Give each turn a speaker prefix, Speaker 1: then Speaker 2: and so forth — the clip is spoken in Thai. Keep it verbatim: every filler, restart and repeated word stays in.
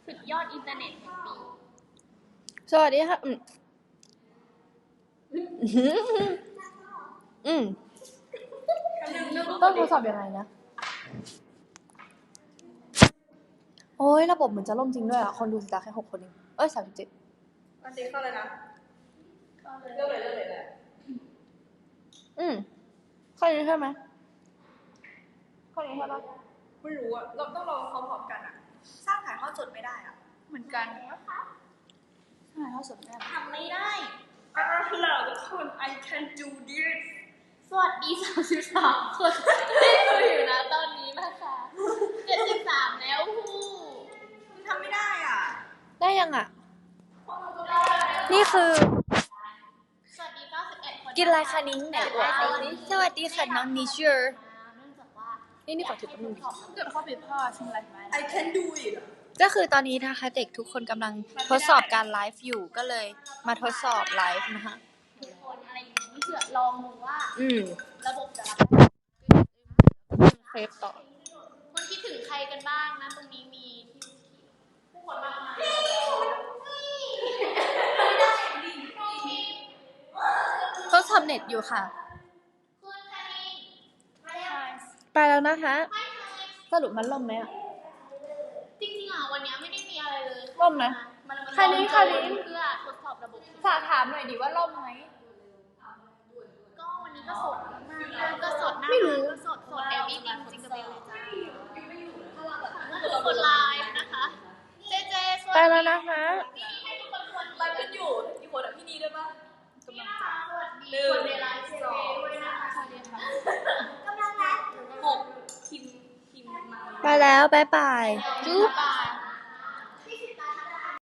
Speaker 1: สุดยอดอินเทอร์เน็ตแห่งปี
Speaker 2: สวัสดีค่ะอืมอืมต้องทดสอบยังไงนะโอ้ยระบบเหมือนจะล่มจริงด้วยอ่ะคนดูสิตาแค่หกคนเองเอ้ยสามสิบเจ็ด
Speaker 3: อันนี้เข้าเลยนะเริ่มเลยเริ่มเลยแหละ
Speaker 2: อืมข้อนี้ใช่ไหมข้อนี้ใช่ปะ
Speaker 3: ไม่รู้อะเราต้องลองพร้อมๆกันอะสร้างถ่ายทอดสดไม่ได้อะเหมือนกัน
Speaker 1: นะคะ
Speaker 2: ถ่ายทอดสดไม่ได้
Speaker 1: ทำไม่ได้
Speaker 3: อ่าเหล่าทุกคน I can do this
Speaker 1: สวัสดีสามสิบสามคนที่ดูอยู่นะตอนนี้นะคะเจ็ดสิบสามแล้วฮู้
Speaker 3: มันทำไม่ได้อ่ะ
Speaker 2: ได้ยังอ่ะนี่คือ
Speaker 1: สวัสดีเก้าสิบเอ็ดคน
Speaker 2: กินอะไรคะนิ้งไหนอวดสิสวัสดีค่ะน้องนิเชอร์
Speaker 1: เนื่องจากว่า
Speaker 2: นี่นี่ขอถือแป๊บนึงดิ
Speaker 3: เกิดข้อผิดพลาดใช่ไหม I can do it
Speaker 2: ก็คือตอนนี้นะคะเด็กทุกคนกำลังทดสอบการไลฟ์อยู่ก็เลยมาทดสอบไลฟ์นะคะ
Speaker 1: ทุกคนอะไรอย่างนี้เผื่อลองดูว่า
Speaker 2: อืม
Speaker 1: ระบบจะรับ
Speaker 2: เคลปต่อ
Speaker 1: คนคิดถึงใครกันบ้างนะตรงนี้มีผู้คนมากมาย
Speaker 2: ทดสอบเน็ตอยู่ค่ะ
Speaker 1: คุณคณิง
Speaker 2: ไปแล้วนะคะสรุปมันล่มไหมอ่ะ
Speaker 1: จริงๆอ่ะวันนี้ไม่ได้มีอะไรเลย
Speaker 2: ล่มนะคณิงคณิง
Speaker 1: เพื่อทดสอบระบบ
Speaker 2: ฝากถามหน่อยดิว่าล่มไหม
Speaker 1: ก็วันนี้ก็สดมากก็สดหน้าก็สดสดแอร์วิ่งจริงๆกับเบลเลยจ้าคือคนไลฟ์นะคะเจเจสวัสดี
Speaker 2: ไปแล้วนะคะ
Speaker 3: ไลฟ์กันอยู่กี่คนอ่ะพี่นีด้วยปะ
Speaker 1: กำลังจะสวัสดีคนในไลฟ์เจเจด้วยนะคะสวัสดีค่ะกำลังไลฟ์
Speaker 3: หกคิมคิมมา
Speaker 2: ไปแล้วบ๊ายบายจุ๊บ